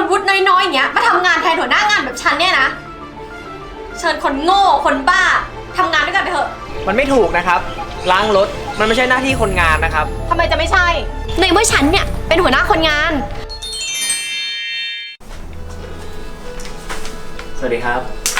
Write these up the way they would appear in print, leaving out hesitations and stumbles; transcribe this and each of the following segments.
คนวุฒิน้อยๆอย่างเงี้ยมาทำงานแทนหัวหน้างานแบบฉันเนี่ยนะเชิญคนโง่คนบ้าทำงานด้วยกันไปเถอะมันไม่ถูกนะครับล้างรถมันไม่ใช่หน้าที่คนงานนะครับทำไมจะไม่ใช่ในเมื่อฉันเนี่ยเป็นหัวหน้าคนงานสวัสดีครับ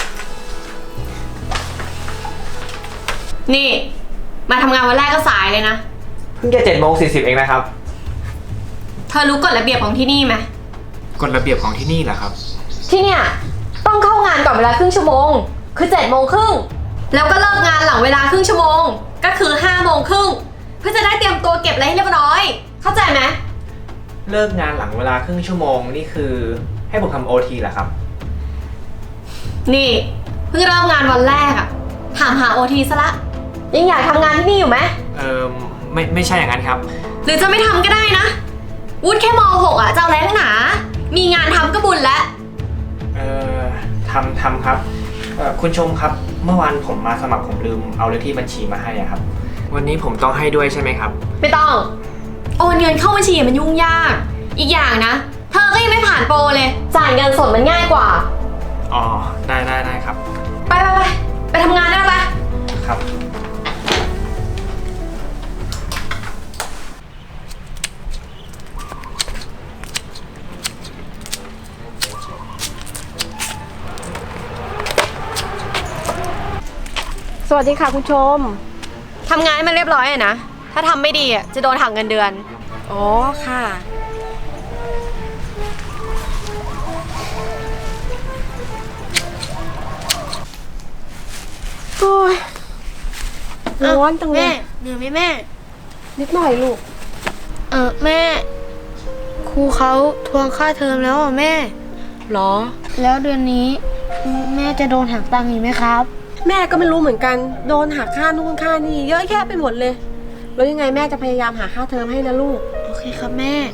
นี่มาทำงานวันแรกก็สายเลยนะเพิ่งจะ7:40เองนะครับเธอรู้กฎระเบียบของที่นี่ไหมกฎระเบียบของที่นี่เหรอครับที่เนี่ยต้องเข้างานก่อนเวลาครึ่งชั่วโมงคือ7:30แล้วก็เลิกงานหลังเวลาครึ่งชั่วโมงก็คือ5:30เพื่อจะได้เตรียมตัวเก็บอะไรให้เรียบร้อยเข้าใจไหมเลิกงานหลังเวลาครึ่งชั่วโมงนี่คือให้ผมทำ OT เหรอครับนี่เพิ่งเริ่มงานวันแรกอะถามหา OT ซะละยังอยากทำงานที่นี่อยู่ไหมไม่ใช่อย่างนั้นครับหรือจะไม่ทำก็ได้นะวุฒิแค่ม.6อะจะเอาอะไรนักหนามีงานทำก็บุญแล้วทำครับคุณชมครับเมื่อวานผมมาสมัครผมลืมเอาเลขที่บัญชีมาให้อะครับวันนี้ผมต้องให้ด้วยใช่ไหมครับไม่ต้องโอนเงินเข้าบัญชีมันยุ่งยากอีกอย่างนะเธอก็ยังไม่ผ่านโปรเลยจ่ายเงินสดมันง่ายกว่าอ๋อได้ครับไปทำงานได้ปะครับสวัสดีค่ะคุณชมทำงานให้มันเรียบร้อยอะนะถ้าทำไม่ดีอะจะโดนหักเงินเดือนอ๋อค่ะโอ้ยร้อนจังเลยแม่เหนื่อยไหมแม่นิดหน่อยลูกแม่ครูเขาทวงค่าเทอมแล้วอ่ะแม่หรอแล้วเดือนนี้แม่จะโดนหักตังค์อีกไหมครับแม่ก็ไม่รู้เหมือนกันโดนหักค่านู่นค่านี่เยอะแยะไปหมดเลยแล้วยังไงแม่จะพยายามหาค่าเทอมให้นะลูกโอเคครับแม่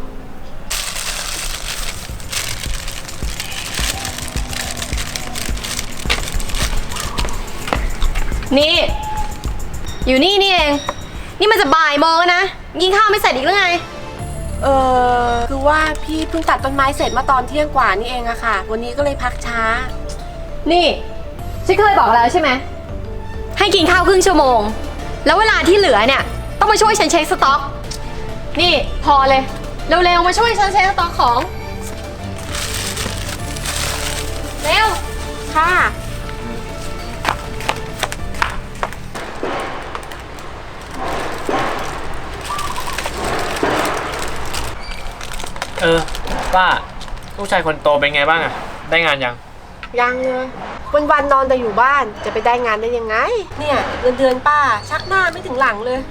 นี่อยู่นี่เองนี่มันจะบ่ายโมงแล้วนะกินข้าวไม่เสร็จอีกหรือไงคือว่าพี่เพิ่งตัดต้นไม้เสร็จมาตอนเที่ยงกว่านี่เองอะค่ะวันนี้ก็เลยพักช้านี่ฉันเคยบอกแล้วใช่ไหมให้กินข้าวครึ่งชั่วโมงแล้วเวลาที่เหลือเนี่ยต้องมาช่วยฉันเช็คสต็อกนี่พอเลยเร็วๆมาช่วยฉันเช็คสต็อกของเร็วค่ะป้าลูกชายคนโตเป็นไงบ้างอะได้งานยังเลยวันนอนแต่อยู่บ้านจะไปได้งานได้ยังไงเนี่ยเดือนป้าชักหน้าไม่ถึงหลังเลย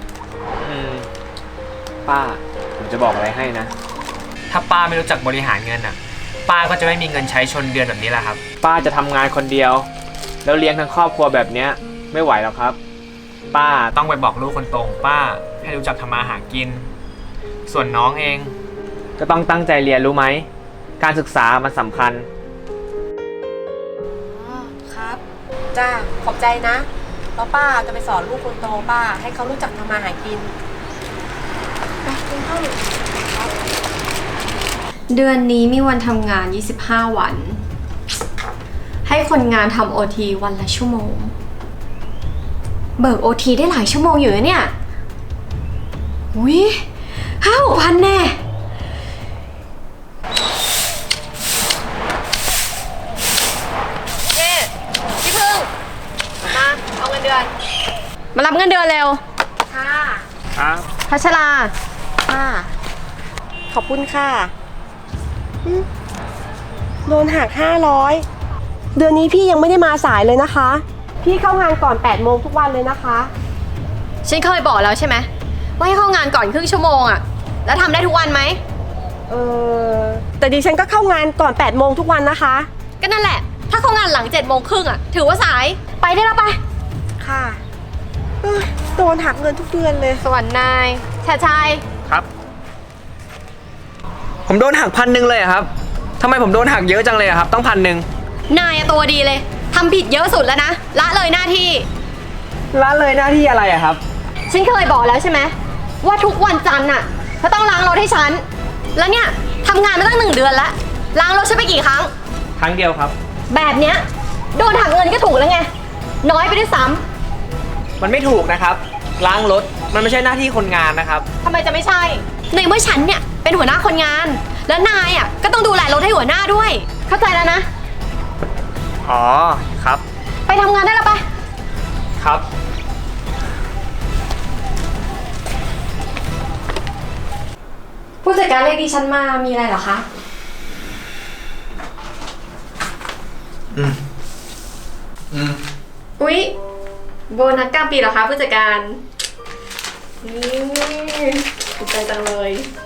ป้าผมจะบอกอะไรให้นะถ้าป้าไม่รู้จักบริหารเงินอะป้าก็จะไม่มีเงินใช้ชนเดือนแบบนี้แหละครับป้าจะทำงานคนเดียวแล้วเลี้ยงทั้งครอบครัวแบบเนี้ยไม่ไหวหรอกครับป้าต้องไปบอกลูกคนโตของป้าให้รู้จักทำมาหากินส่วนน้องเองก็ต้องตั้งใจเรียนรู้ไหมการศึกษามันสำคัญครับจ้าขอบใจนะแล้วป้าจะไปสอนลูกคนโตป้าให้เขารู้จักทำมาหากินไปกินข้าวเดือนนี้มีวันทำงาน25วันให้คนงานทำ OT วันละชั่วโมงเบิก OT ได้หลายชั่วโมงอยู่นะเนี่ยอุ้ย5,000-6,000แน่มารับเงินเดือนเร็วค่ะครับพัชราค่ะขอบคุณค่ะโดนหัก500เดือนนี้พี่ยังไม่ได้มาสายเลยนะคะพี่เข้างานก่อน8 โมงทุกวันเลยนะคะฉันเคยบอกแล้วใช่ไหมว่าให้เข้างานก่อนครึ่งชั่วโมงอะแล้วทำได้ทุกวันไหมแต่ดิฉันก็เข้างานก่อน8 โมงทุกวันนะคะก็นั่นแหละถ้าเข้างานหลัง7:30อะถือว่าสายไปได้แล้วไปค่ะโดนหักเงินทุกเดือนเลยส่วนนายชายครับผมโดนหัก1,000เลยครับทำไมผมโดนหักเยอะจังเลยครับต้อง1,000 นายตัวดีเลยทำผิดเยอะสุดแล้วนะละเลยหน้าที่ละเลยหน้าที่อะไรครับฉันเคยบอกแล้วใช่ไหมว่าทุกวันจันทร์น่ะเธอต้องล้างรถให้ฉันแล้วเนี่ยทำงานมาตั้ง1 เดือนแล้วล้างรถฉันไปกี่ครั้งครั้งเดียวครับแบบเนี้ยโดนหักเงินก็ถูกแล้วไง น้อยไปด้วยซ้มันไม่ถูกนะครับ ล้างรถมันไม่ใช่หน้าที่คนงานนะครับำทำไมจะไม่ใช่ ในเมื่อฉันเนี่ยเป็นหัวหน้าคนงาน แล้วนายอ่ะก็ต้องดูแลรถให้หัวหน้าด้วย เข้าใจแล้วนะอ๋อครับไปทำงานได้แล้วไปครับผู้จัดการเรียกดิฉันมามีอะไรเหรอคะ อุ๊ย โบนัสกลางปีเหรอคะผู้จัดการ นี่ดีใจจังเลย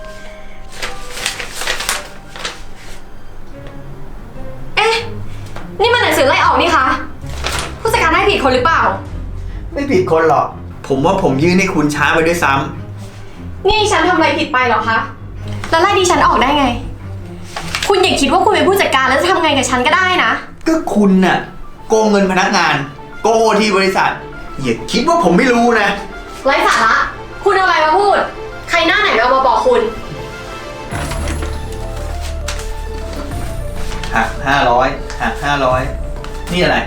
เอ๊ะ นี่มันหนังสือไล่ออกนี่คะ ผู้จัดการให้ผิดคนหรือเปล่าไม่ผิดคนหรอก ผมว่าผมยื่นให้คุณช้าไปด้วยซ้ำนี่ฉันทำอะไรผิดไปเหรอคะ แล้วไล่ดิฉันออกได้ไง คุณอย่าคิดว่าคุณเป็นผู้จัดการแล้วจะทำไงกับฉันก็ได้นะก็คุณน่ะโกงเงินพนักงาน โกงโอทีบริษัท อย่าคิดว่าผมไม่รู้นะไร้สาระ คุณเอาอะไรมาพูด ใครหน้าไหนเอามาบอกคุณหัก500หัก500นี่อะไร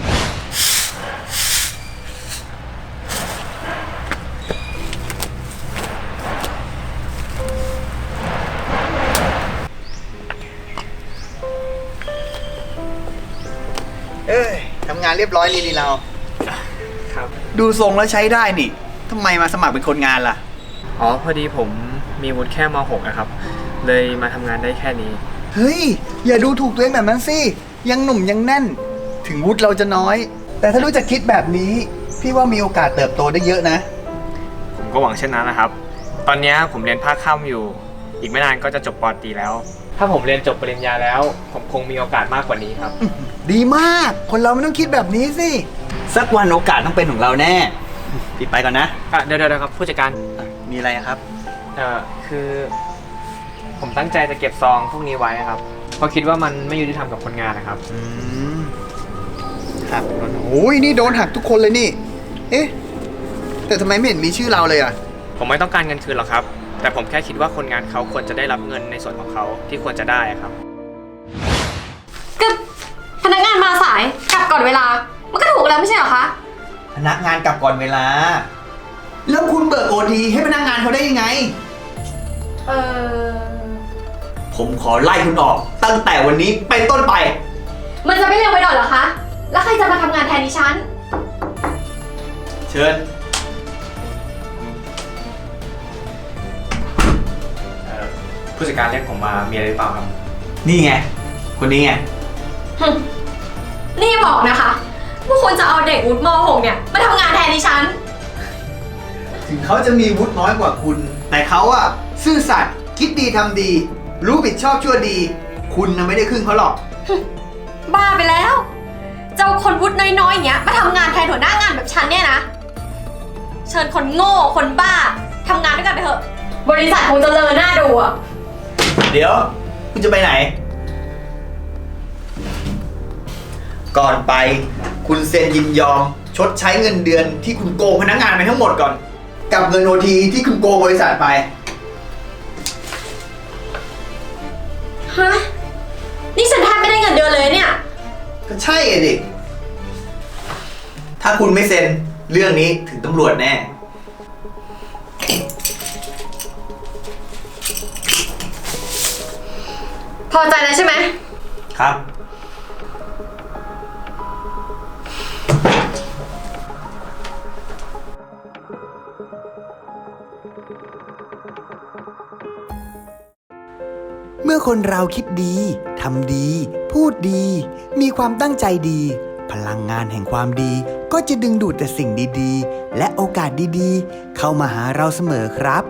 เอ้ยทำงานเรียบร้อยดีเราครับดูทรงแล้วใช้ได้นี่ทำไมมาสมัครเป็นคนงานล่ะอ๋อพอดีผมมีวุฒิแค่ม .6 นะครับ เลยมาทำงานได้แค่นี้เฮ้ย อย่าดูถูกตัวเองแบบนั้นสิ ยังหนุ่มยังแน่น ถึงวุฒิเราจะน้อย แต่ถ้ารู้จักคิดแบบนี้ พี่ว่ามีโอกาสเติบโตได้เยอะนะผมก็หวังเช่นนั้นนะครับ ตอนนี้ผมเรียนภาคค่ำอยู่ อีกไม่นานก็จะจบป.ตรีแล้ว ถ้าผมเรียนจบปริญญาแล้ว ผมคงมีโอกาสมากกว่านี้ครับดีมาก คนเราไม่ต้องคิดแบบนี้สิ สักวันโอกาสต้องเป็นของเราแน่ พี่ไปก่อนนะเดี๋ยวครับผู้จัดการมีอะไรอะครับคือ ผมตั้งใจจะเก็บซองพวกนี้ไว้ครับ เพราะคิดว่ามันไม่ยุติธรรมกับคนงานนะครับหักโอ้ยนี่โดนหักทุกคนเลยนี่ เอ๊ะ แต่ทำไมไม่เห็นมีชื่อเราเลยอะผมไม่ต้องการเงินคืนหรอกครับ แต่ผมแค่คิดว่าคนงานเขาควรจะได้รับเงินในส่วนของเขาที่ควรจะได้ครับก็พนักงานมาสายกลับก่อนเวลา มันก็ถูกแล้วไม่ใช่เหรอคะพนักงานกลับก่อนเวลา แล้วคุณเบิกโอทีให้พนักงานเขาได้ยังไง ผมขอไล่คุณออก ตั้งแต่วันนี้เป็นต้นไปมันจะไม่เร็วไปหน่อยเหรอคะ แล้วใครจะมาทำงานแทนดิฉันเชิญผู้จัดการเรียกผมมามีอะไรหรือเปล่าครับนี่ไง คนนี้ไงนี่บอกนะคะว่าคุณจะเอาเด็กวุฒิม .6 เนี่ยมาทำงานแทนดิฉันถึงเขาจะมีวุฒิน้อยกว่าคุณ แต่เขาอะซื่อสัตย์คิดดีทำดี รู้ผิดชอบชั่วดี คุณน่ะไม่ได้ครึ่งเขาหรอกบ้าไปแล้วเจ้าคนวุฒิน้อยๆอย่างเงี้ยมาทำงานแทนหัวหน้างานแบบฉันเนี่ยนะ เชิญคนโง่คนบ้าทำงานด้วยกันไปเถอะ บริษัทคงจะเลอหน้าดูอะเดี๋ยว คุณจะไปไหน ก่อนไป คุณเซ็นยินยอม ชดใช้เงินเดือนที่คุณโกงพนักงานไปทั้งหมดก่อน กับเงินโอทีที่คุณโกงบริษัทไปฮะ นี่ฉันแทบไม่ได้เงินเดือนเลยเนี่ยก็ใช่อะดิ ถ้าคุณไม่เซ็นเรื่องนี้ถึงตำรวจแน่พอใจแล้วใช่ไหมครับ เมื่อคนเราคิดดี ทำดี พูดดี มีความตั้งใจดี พลังงานแห่งความดีก็จะดึงดูดแต่สิ่งดีๆ และโอกาสดีๆ เข้ามาหาเราเสมอครับ